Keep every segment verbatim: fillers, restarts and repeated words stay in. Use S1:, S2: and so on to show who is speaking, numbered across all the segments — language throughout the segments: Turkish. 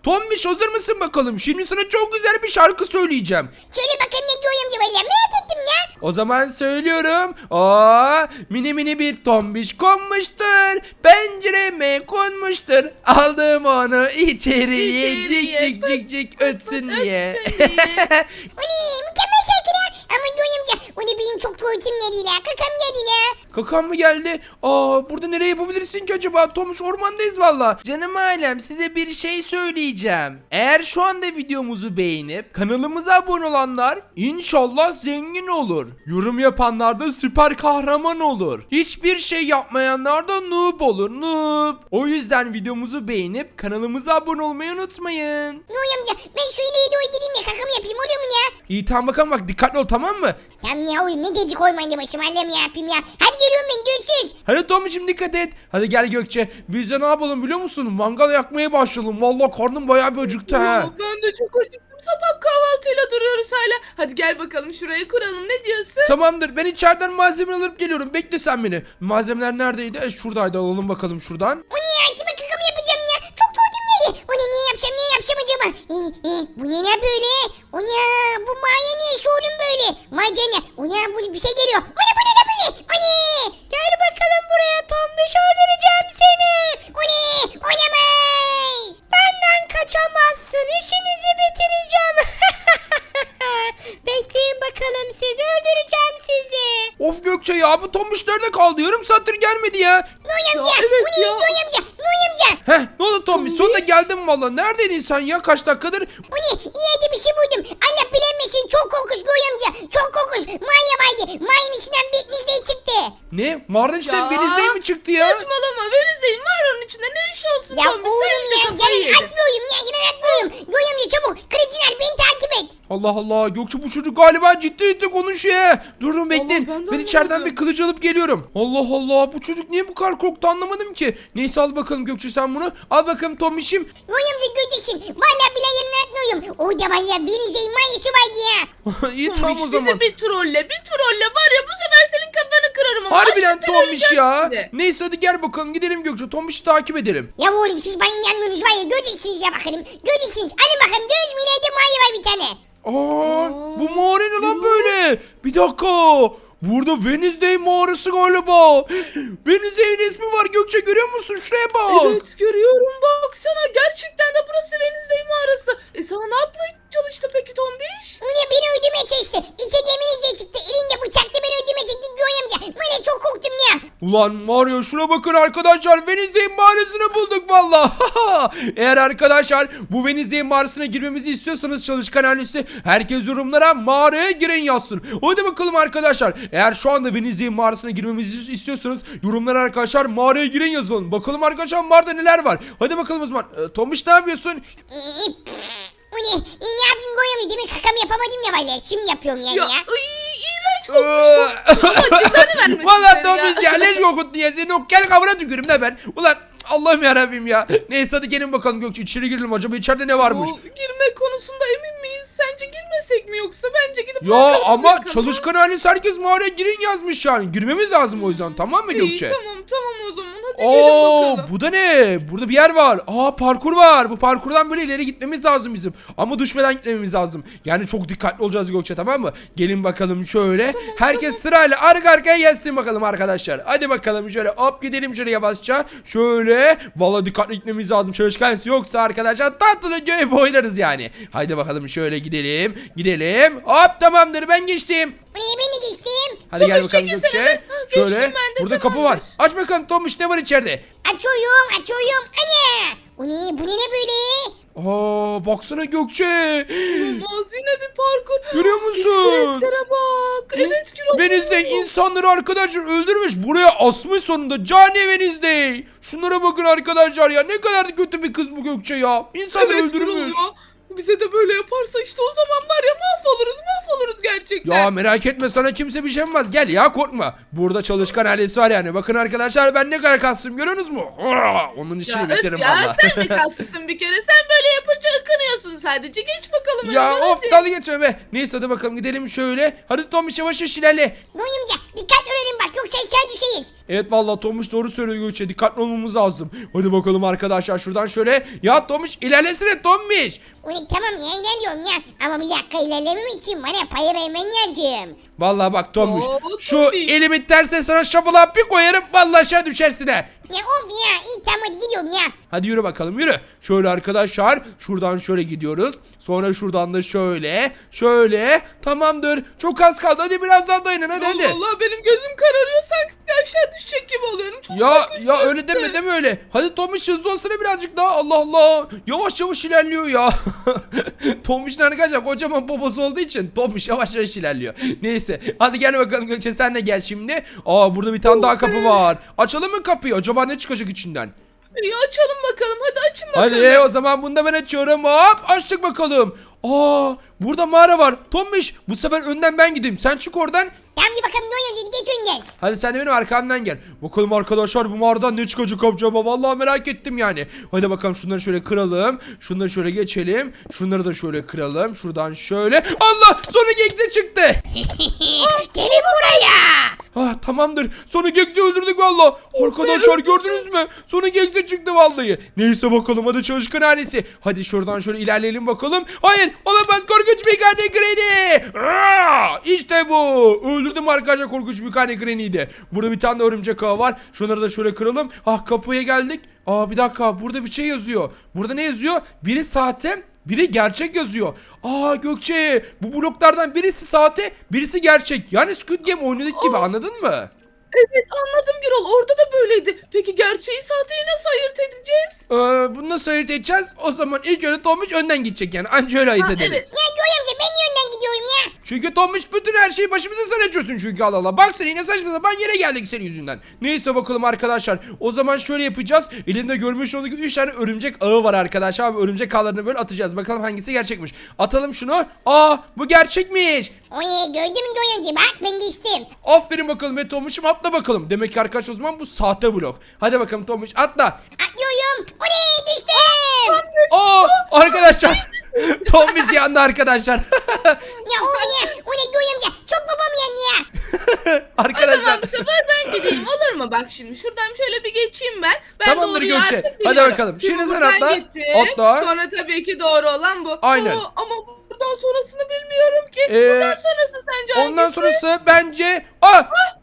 S1: Tombiş hazır mısın bakalım? Şimdi sana çok güzel bir şarkı söyleyeceğim.
S2: Söyle bakalım ne diyor amca valla merak ettim ya.
S1: O zaman söylüyorum. Aa, mini mini bir tombiş konmuştur. Pencereme konmuştur. Aldım onu içeriye.
S3: İçeriye.
S1: Cik cik cik cik ötsün diye.
S3: ötsün diye.
S2: O ne mükemmel şarkı ya. Ama diyor amca o ne benim çok tuvaletim geldi la. Kakam geldi la.
S1: Kakan mı geldi? Aa, burada nereye yapabilirsin ki acaba? Tomuş ormandayız valla. Canım ailem size bir şey söyleyeceğim. Eğer şu anda videomuzu beğenip kanalımıza abone olanlar inşallah zengin olur. Yorum yapanlar da süper kahraman olur. Hiçbir şey yapmayanlar da noob olur. Noob. O yüzden videomuzu beğenip kanalımıza abone olmayı unutmayın.
S2: Diyor amca ben şu ileriye doğru gideyim de kakamı yapayım oluyor mu ya?
S1: İyi tamam bakalım bak dikkatli ol tamam mı?
S2: Tamam ya oğlum ne gece koymayın da başıma Allah'ım ya yapayım ya. Hadi geliyorum ben görüşürüz.
S1: Hadi Tomuç'um dikkat et. Hadi gel Gökçe. Biz de ne yapalım biliyor musun? Mangal yakmaya başlayalım. Vallahi karnım bayağı bir acıktı ha.
S3: Aa, ben de çok acıktım. Sabah kahvaltıyla duruyoruz hala. Hadi gel bakalım şuraya kuralım. Ne diyorsun?
S1: Tamamdır. Ben içeriden malzeme alıp geliyorum. Bekle sen beni. Malzemeler neredeydi? E, şuradaydı. Alalım bakalım şuradan.
S2: O ne ya acaba kakamı yapacağım ya. Çok tuvaletim geldi. O ne ne yapacağım ne yapacağım acaba? Ee, e, bu ne ne böyle? O ne bu maya ne iş oğlum böyle? Macene. O ne bu bir şey geliyor. O ne bu ne ne böyle? O ne? Gel bakalım buraya tombiş öldüreceğim seni. O ne? Oynamaz. Benden kaçamazsın. İşinizi bitireceğim. Bekleyin bakalım sizi öldüreceğim sizi.
S1: Of Gökçe ya bu Tomuç nerede kaldı? Yarım saattir gelmedi ya.
S2: Noy amca.
S3: evet
S2: bu ne
S3: ya.
S2: Noy amca? Noy amca.
S1: Heh ne oldu Tomuç? Sonunda geldin valla. Neredeydin sen ya? Kaç dakikadır?
S2: Bu ne? İyi bir şey buldum. Allah bilemesin çok korkunç Noy amca. Çok korkunç. Manya vardı. Manyanın içinden Wednesday çıktı.
S1: Ne? Mağaranın içinden
S3: Ya,
S1: Wednesday mi çıktı ya?
S3: Saçmalama. Wednesday'in mağaranın içinde ne iş olsun
S2: Ya
S3: Tombiş?
S2: oğlum
S3: Sen
S2: ya
S3: iyice kafayı
S2: yalan
S3: yedin.
S2: atmıyorum ya yalan atmıyorum. Noy amca çabuk. Kılıcınal beni takip et.
S1: Allah Allah Gökçe bu çocuk galiba ciddi ciddi konuşuyor. Durun bekleyin.
S3: ben de
S1: Ben içeriden
S3: anlamadım.
S1: bir kılıç alıp geliyorum. Allah Allah bu çocuk niye bu kadar korktu anlamadım ki. Neyse al bakalım Gökçe sen bunu. Al bakalım Tomiş'im.
S2: Noy amca göreceksin. Valla bile yalan atmıyorum. Orada var ya Wednesday manyası vardı ya.
S1: İyi
S3: Tombiş,
S1: tamam o zaman.
S3: bizi bir trolle bir trolle var ya bu sefer senin kafanı kırarım ama.
S1: Harbiden
S3: Açlıktan
S1: Tomiş
S3: öleceğim
S1: ya.
S3: şimdi.
S1: Neyse hadi gel bakalım gidelim Gökçe. Tomiş'i takip edelim.
S2: Ya oğlum siz bana inanmıyorsunuz var ya göreceksiniz ya bakalım. Göreceksiniz. Hadi bakalım göz mü ileride manya var bir tane.
S1: Aa, bu mağara ne lan böyle? Bir dakika. Burada Wednesday mağarası galiba. Wednesday'in resmi var Gökçe görüyor musun? Şuraya bak.
S3: Evet görüyorum baksana gerçekten de burası Wednesday mağarası. E sana ne yapmaya çalıştı peki Tombiş?
S2: Öyle beni öldürmeye çalıştı. İçe demiriciye çıktı. Elinde bıçakla beni öldürmeye çıktı Noy amca. Ben de çok korktum ya.
S1: Ulan var ya şuna bakın arkadaşlar Wednesday mağarasını bulduk valla. Eğer arkadaşlar bu Wednesday mağarasına girmemizi istiyorsanız çalışkan ailesi herkes yorumlara mağaraya girin yazsın. Hadi bakalım arkadaşlar. Eğer şu anda Wednesday mağarasına girmemizi istiyorsanız yorumlara arkadaşlar mağaraya girin yazın. Bakalım arkadaşlar mağarada neler var. Hadi bakalım o zaman. Ee, Tomiş ne yapıyorsun?
S2: Ee, pff, o ne? Ee, ne yapayım Noy amca? Demek kakamı yapamadım ya valla. Şimdi yapıyorum yani
S3: Ya,
S2: ya.
S3: ay, iğrenç kokmuş Tombiş. Allah cezanı vermesin
S1: Valla
S3: seni ya.
S1: Tomiş ya leş kokuttu ya. Seni o kel kavuna tükürüm de ben. Ulan Allah'ım yarabbim ya. Neyse hadi gelin bakalım Gökçe içeri girelim acaba içeride ne varmış?
S3: Bu girme konusunda emin miyiz? Sence girmesek mi yoksa bence gidip
S1: Ya
S3: mangalımızı
S1: ama
S3: yakalım, ha?
S1: çalışkan ailesi herkes mağaraya girin yazmış yani. Girmemiz lazım o yüzden tamam mı
S3: İyi
S1: Gökçe?
S3: tamam tamam o zaman hadi gelin
S1: Oo
S3: bakalım.
S1: bu da ne? Burada bir yer var. Aa parkur var. Bu parkurdan böyle ileri gitmemiz lazım bizim. Ama düşmeden gitmemiz lazım. Yani çok dikkatli olacağız Gökçe tamam mı? Gelin bakalım şöyle. Herkes sırayla arka arkaya gelsin bakalım arkadaşlar. Hadi bakalım şöyle hop gidelim şöyle yavaşça. Şöyle. Vallahi dikkatli gitmemiz lazım. Çalışkan yoksa arkadaşlar tatlı göğe boylarız yani. Haydi bakalım şöyle gidelim. Gidelim. Hop tamamdır ben geçtim.
S2: Oraya ben de geçtim.
S1: Hadi gel
S3: Tomuş,
S1: bakalım
S3: çekilsene
S1: Gökçe.
S3: be. Ha, geçtim
S1: Şöyle.
S3: ben de,
S1: Burada kapı var.
S3: tamamdır.
S1: Aç bakalım Tomuş ne var içeride?
S2: Açıyorum açıyorum. Ana. O ne? Bu ne ne böyle?
S1: Aa baksana Gökçe.
S3: Olmaz yine bir parkur.
S1: Görüyor musun?
S3: İskeletlere bak. Evet Gürol.
S1: Wednesday insanları arkadaşlar öldürmüş. Buraya asmış sonunda. Cani Wednesday. Şunlara bakın arkadaşlar ya. Ne kadar da kötü bir kız bu Gökçe ya. İnsanları
S3: Evet Gürol
S1: öldürmüş.
S3: ya. Bize de böyle yaparsa işte o zaman var ya mahvoluruz mahvoluruz gerçekten.
S1: Ya merak etme sana kimse bir şey yapmaz. Gel ya korkma. Burada çalışkan ailesi var yani. Bakın arkadaşlar ben ne kadar kastım görüyorsunuz mu? Aa, onun işini
S3: Ya öf
S1: bitiririm
S3: ya
S1: valla.
S3: sen mi kaslısın bir kere sen böyle yapınca ıkınıyorsun sadece. Geç bakalım
S1: Ya
S3: önden,
S1: of
S3: hadi.
S1: dalga geçme be. Neyse hadi bakalım gidelim şöyle. Hadi Tomuş yavaş yavaş ilerle.
S2: Noy amca dikkatli olalım bak yoksa aşağı düşeyiz.
S1: Evet vallahi Tomuş doğru söylüyor Gökçe. Dikkatli olmamız lazım. Hadi bakalım arkadaşlar şuradan şöyle. Ya Tomuş ilerlesene Tomuş.
S2: Ulan tamam ya ilerliyorum ya. Ama bir dakika ilerlemem için bana paya vermen lazım.
S1: Vallahi bak Tomuş.
S3: Oo,
S1: Şu
S3: Tomuş.
S1: elimi tersine sana şapalağa bir koyarım. Vallahi aşağı düşersin ha.
S2: Ya of ya iyi tamam hadi gidiyorum ya.
S1: Hadi yürü bakalım yürü. Şöyle arkadaşlar şuradan şöyle gidiyoruz. Sonra şuradan da şöyle. Şöyle. Tamamdır. Çok az kaldı. Hadi biraz daha dayanın hadi hadi.
S3: Vallahi benim gözüm kararıyor, sanki aşağı düşecek gibi oluyorum. Çok
S1: Ya
S3: korkunç
S1: ya
S3: burası.
S1: öyle deme deme öyle. Hadi Tomuş hızlı olsana birazcık daha. Allah Allah. Yavaş yavaş ilerliyor ya. Tomuş'un arkadaşlar kocaman poposu olduğu için Tomuş yavaş yavaş ilerliyor. Neyse. Hadi gel bakalım Gökçe sen de gel şimdi. Aa burada bir tane daha kapı var. Açalım mı kapıyı? Acaba ne çıkacak içinden?
S3: İyi, açalım bakalım, hadi açın bakalım.
S1: Hadi o zaman bunu da ben açıyorum. Hop açtık bakalım. Aa burada mağara var. Tomuş bu sefer önden ben gideyim. Sen çık oradan.
S2: Tamam bir bakalım Noy amca geç önden.
S1: Hadi sen de benim arkamdan gel. Bakalım arkadaşlar bu mağaradan ne çıkacak acaba? Vallahi merak ettim yani. Hadi bakalım şunları şöyle kıralım. Şunları şöyle geçelim. Şunları da şöyle kıralım. Şuradan şöyle. Allah! Sonic X'e çıktı.
S2: Gelin buraya.
S1: Ah tamamdır. Sonic X'i öldürdük valla. Arkadaşlar gördünüz mü? Sonic X'e çıktı vallahi. Neyse bakalım hadi çalışkan ailesi. Hadi şuradan şöyle ilerleyelim bakalım. Hayır olamaz korkunç bir kane Granny. Aa, İşte bu. Öldürdüm arkadaşlar korkunç bir kane Granny'yi de. Burada bir tane de örümcek ağı var. Şunları da şöyle kıralım. Ah kapıya geldik. Aa bir dakika burada bir şey yazıyor. Burada ne yazıyor? Biri sahte, biri gerçek yazıyor. Aa Gökçe bu bloklardan birisi sahte, birisi gerçek. Yani Squid Game oynadık gibi anladın mı?
S3: Evet anladım Gürol, orada da böyleydi. Peki gerçeği sahteyi nasıl ayırt edeceğiz?
S1: Ee, bunu nasıl ayırt edeceğiz? O zaman ilk önce Tomuş önden gidecek yani. Anca öyle ayırt
S3: Ha,
S1: ederiz.
S3: evet.
S2: Ya Noy amca ben niye önden gidiyorum ya?
S1: Çünkü Tomuş bütün her şeyi başımıza sen açıyorsun çünkü Allah Allah. Bak sen yine saçma sapan yere geldik senin yüzünden. Neyse bakalım arkadaşlar. O zaman şöyle yapacağız. Elimde görmüş olduğunuz gibi üç tane örümcek ağı var arkadaşlar. Ve örümcek ağlarını böyle atacağız. Bakalım hangisi gerçekmiş. Atalım şunu. Aa bu gerçekmiş.
S2: O ne gördün mü Noy amca bak ben geçtim.
S1: Aferin bakalım ve Tomuş'um atla bakalım. Demek ki arkadaşlar o zaman bu sahte blok. Hadi bakalım Tomuş atla.
S2: Atlıyorum. O ne düştüm.
S1: Aa arkadaşlar. Tomuş yandı arkadaşlar.
S2: Ya o ne? O ne Noy amca? Çok babam yandı ya.
S3: Ay
S1: arkadaşlar.
S3: tamam bu sefer ben gideyim, olur mu? Bak şimdi şuradan şöyle bir geçeyim ben. Ben
S1: Tamamdır
S3: doğruyu
S1: Gökçe.
S3: artık
S1: Hadi
S3: biliyorum.
S1: bakalım. Şimdi sen
S3: buradan
S1: atla.
S3: gittim.
S1: Atla.
S3: Sonra tabii ki doğru olan bu.
S1: Aynen.
S3: Oo, ama buradan sonrasını bilmiyorum ki.
S1: Ee,
S3: buradan sonrası sence hangisi?
S1: Ondan sonrası bence... Aa!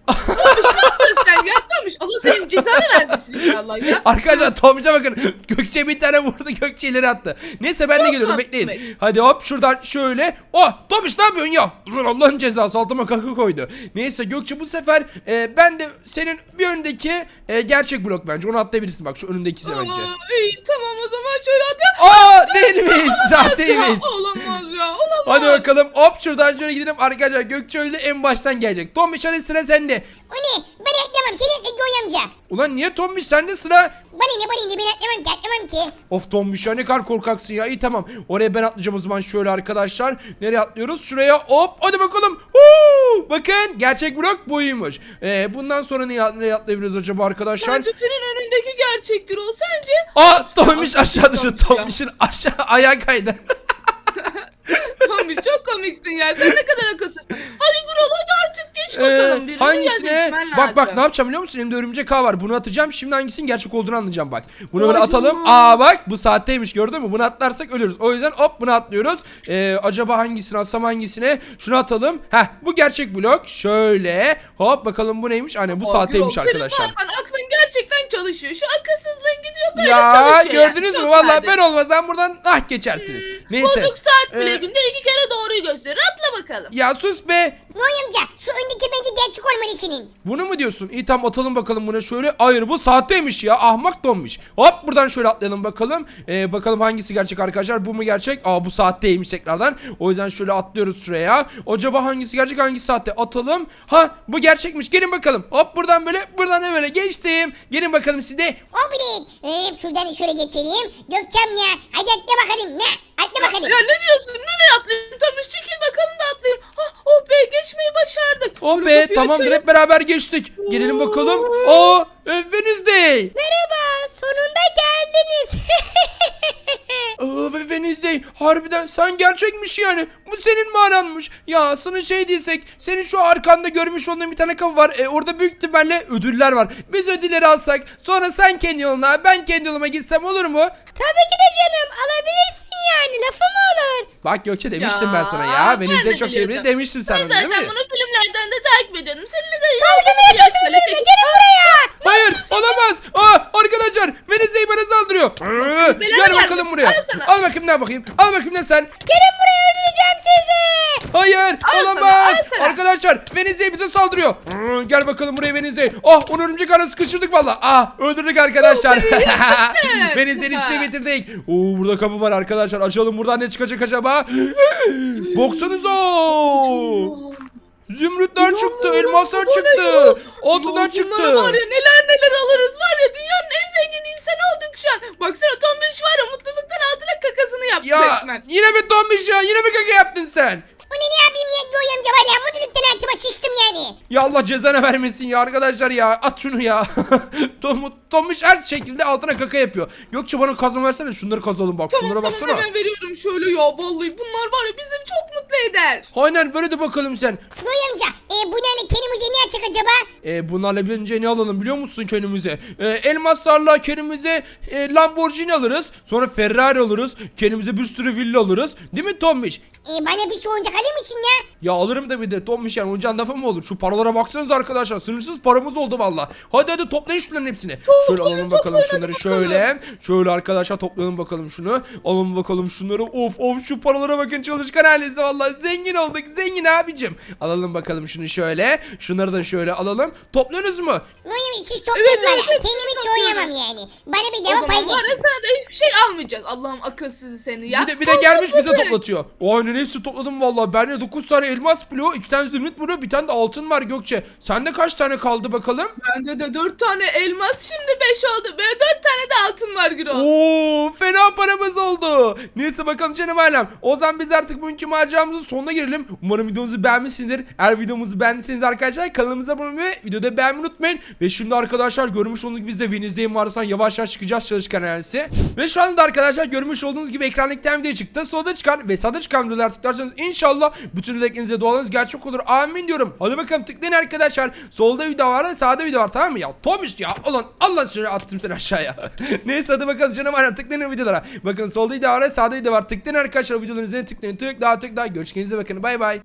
S3: Nasıl sen yapmamış? Allah senin cezanı vermesin inşallah ya.
S1: Arkadaşlar Tomuş'a bakın. Gökçe bir tane vurdu, Gökçe ileri attı. Neyse ben de
S3: Çok
S1: geliyorum
S3: komik.
S1: bekleyin. Hadi hop şuradan şöyle. Oh Tomuş ne yapıyorsun ya? Ulan Allah'ın cezası altıma kakı koydu. Neyse Gökçe bu sefer e, ben de senin bir öndeki e, gerçek blok bence. Onu atlayabilirsin bak şu önündeki bence.
S3: Aa, iyi tamam o zaman şöyle hadi.
S1: Aa değilmiş. Zahteymiş.
S3: Ya, olamaz ya olamaz.
S1: Hadi bakalım hop şuradan şöyle gidelim. Arkadaşlar Gökçe öyle en baştan gelecek. Tomuş hadi sıra sende.
S2: O ne? Ben atlamam. Seni atla Noy amca.
S1: Ulan niye Tomuş sende sıra?
S2: Bana ne bana ne ben atlamam ki atlamam ki.
S1: Of Tombiş ya ne kadar korkaksın ya. İyi tamam. Oraya ben atlayacağım o zaman şöyle arkadaşlar. Nereye atlıyoruz? Şuraya hop. Hadi bakalım. Huu! Bakın gerçek blok buymuş. Ee, bundan sonra nereye, nereye atlayabiliriz acaba arkadaşlar?
S3: Bence senin önündeki gerçek Gürol, sence?
S1: Aa Tombiş aşağı düştü.
S3: Tombiş ya.
S1: Tombiş'in aşağı ayağı kaydı.
S3: Tombiş çok komiksin ya, sen ne kadar akılsızsın. Hadi Gürol hadi artık geç bakalım.
S1: Ee,
S3: Birini
S1: hangisine?
S3: geçmen
S1: Bak bak
S3: lazım.
S1: ne yapacağım biliyor musun? Elimde örümcek ağ var. Bunu atacağım. Şimdi hangisinin gerçek olduğunu anlayacağım bak. Bunu
S3: Vay
S1: böyle atalım.
S3: canına.
S1: Aa bak bu saatteymiş gördün mü? Bunu atlarsak ölürüz. O yüzden hop bunu atlıyoruz. Ee, acaba hangisini atsam hangisine? Şunu atalım. Heh bu gerçek blok. Şöyle. Hop bakalım bu neymiş? Hani bu
S3: Aa,
S1: saatteymiş
S3: Gürol,
S1: arkadaşlar.
S3: Senin bazen aklın gerçekten çalışıyor. Şu akılsızlığın gidiyor böyle
S1: Ya
S3: çalışıyor. yani.
S1: gördünüz mü?
S3: Çok
S1: Vallahi
S3: sade.
S1: ben olmasam buradan ah geçersiniz. Neyse.
S3: Bozuk saat bile
S1: Ee,
S3: günde iki kere doğruyu gösterir. Atla bakalım.
S1: Ya sus be.
S2: Noy amca şu öndeki bence gerçek olmalı senin.
S1: Bunu mu diyorsun? İyi tamam atalım bakalım buna şöyle. Hayır bu saatteymiş ya. Ahmak donmuş. Hop buradan şöyle atlayalım bakalım. Ee, bakalım hangisi gerçek arkadaşlar. Bu mu gerçek? Aa bu saatteymiş tekrardan. O yüzden şöyle atlıyoruz şuraya. Acaba hangisi gerçek hangisi saatte? Atalım. Ha bu gerçekmiş. Gelin bakalım. Hop buradan böyle buradan da böyle geçtim. Gelin bakalım siz de.
S2: O birik. Ee, şuradan şöyle geçelim. Gökçem ya. Hadi atla bakalım. Ne? Atla bakalım.
S3: Ya ne diyorsun? Nereye atlayayım? Tomuş çekil bakalım da atlayayım. Ha, oh be geçmeyi başardık.
S1: Oh
S3: Şöyle
S1: be
S3: kapıyı
S1: tamamdır
S3: açayım.
S1: hep beraber geçtik. Gelelim bakalım. Aa Wednesday.
S2: Merhaba. Sonunda geldiniz.
S1: Aa, ve Wednesday harbiden sen gerçekmiş yani. Bu senin mağaranmış. Ya sana şey diysek senin şu arkanda görmüş olduğun bir tane kapı var. E, orada büyük ihtimalle ödüller var. Biz ödülleri alsak sonra sen kendi yoluna ben kendi yoluma gitsem olur mu?
S2: Tabii ki de canım alabilirsin yani lafı mı olur?
S1: Bak Gökçe demiştim
S3: Ya,
S1: ben sana ya.
S3: ben
S1: Wednesday
S3: de
S1: çok iyi
S3: biliyordum.
S1: demiştim sana
S3: Ben
S1: değil
S3: zaten
S1: mi?
S3: bunu filmlerden de takip ediyordum. Seninle de
S2: Dalga mı geçiyorsun benimle gelin buraya.
S1: Hayır olamaz. Aa, arkadaşlar Wednesday bana saldırıyor. Ee,
S3: belanı
S1: Gel bakalım
S3: vermesin,
S1: buraya.
S3: al sana.
S1: Al bakayım ne bakayım. Al bakayım ne sen.
S2: Gelin buraya öldüreceğim sizi.
S1: Hayır
S3: Al
S1: olamaz.
S3: sana, al sana.
S1: Arkadaşlar Wednesday bize saldırıyor. Ee, Gel bakalım buraya Wednesday. Ah onu örümcek ağına sıkıştırdık valla. Ah öldürdük arkadaşlar. Wednesday'in işini bitirdik. Oo burada kapı var arkadaşlar. Açalım buradan ne çıkacak acaba? Baksanıza. Zümrütler çıktı, elmaslar çıktı, altından çıktı.
S3: Bunlara var ya neler neler alırız var ya dünyanın en zengin insanı olduk şu an. Baksana Tombiş var ya mutluluktan altına kakasını yaptı
S1: Ya
S3: resmen.
S1: yine mi donmuş ya? Yine mi kaka yaptın sen?
S2: Bu ne ne yapayım ya Göğe amca var ya mutluluktan altıma şiştim yani.
S1: Ya Allah cezanı vermesin ya arkadaşlar ya. At şunu ya. Tom, Tomuş her şekilde altına kaka yapıyor. Gökçe bana kazma versene şunları kazalım bak. Şunlara
S3: Tamam,
S1: baksana.
S3: hemen veriyorum şöyle ya vallahi bunlar var ya bizi çok mutlu eder.
S1: Aynen böyle de bakalım sen.
S2: Göğe amca e, bu ne kendimize ne açık acaba?
S1: E, bunlarla birinci ne alalım biliyor musun kendimize? E, elmaslarla kendimize e, Lamborghini alırız. Sonra Ferrari alırız. Kendimize bir sürü villa alırız. Değil mi Tomuş?
S2: E, bana bir şey oyuncak alır mısın ya?
S1: Ya alırım da bir de Tomuş yani oyuncağın lafı mı olur? Şu paralara baksanıza arkadaşlar. Sınırsız paramız oldu valla. Hadi hadi toplayın şunların hepsini. Şöyle alalım bakalım şunları şöyle. Şöyle arkadaşlar toplayalım bakalım şunu. Alalım bakalım şunları. Of of şu paralara bakın çalışkan ailesi valla. Zengin olduk zengin abicim. Alalım bakalım şunu şöyle. Şunları da şöyle alalım. Topluyorsunuz mu?
S2: Göğe amca siz toplayın
S3: Evet,
S2: bana.
S3: evet, hepsini
S2: Kendimi hiç
S3: topluyoruz.
S2: soyamam yani. Bana bir
S3: O
S2: deva
S3: zaman
S2: pay
S3: var ya
S2: geçsin.
S3: sana da hiçbir şey almayacağız. Allah'ım akılsızı seni ya.
S1: Bir de, bir de
S3: Al,
S1: gelmiş bize
S3: topla.
S1: toplatıyor. O aynen hepsi topladım valla. Bende dokuz tane elmas bloğu, iki tane zümrüt bloğu, bir tane de altın var Gökçe. Sende kaç tane kaldı bakalım?
S3: Bende de dört tane elmas şimdi beş oldu. Böyle dört tane de altın var Gürol.
S1: Oo, fena paramız oldu. Neyse bakalım canım ailem. O zaman biz artık bugünkü maceramızın sonuna gelelim. Umarım videomuzu beğenmişsinizdir. Eğer videomuzu beğendiyseniz arkadaşlar kanalımıza abone olmayı ve videoda beğenmeyi unutmayın. Ve şimdi arkadaşlar görmüş olduğunuz gibi biz de Wednesday'in varsan yavaş yavaş çıkacağız çalışkan ailesi. Ve şu anda arkadaşlar görmüş olduğunuz gibi ekranda iki tane video çıktı. Solda çıkan ve sağda çıkan videolar tıklarsanız inşallah bütün dileklerinize dualarınız gerçek olur. Amin diyorum. Hadi bakalım tıklayın arkadaşlar. Solda video var, sağda video var tamam mı ya? Tomiş ya. Ulan Allah şöyle attım seni aşağıya. Neyse hadi bakalım canım ailem tıklayın videolara. Bakın solda video var, sağda video var. Tıklayın arkadaşlar videoların üzerine tıklayın. Tıkla tıkla. Görüşürüz bakın. Bay bay.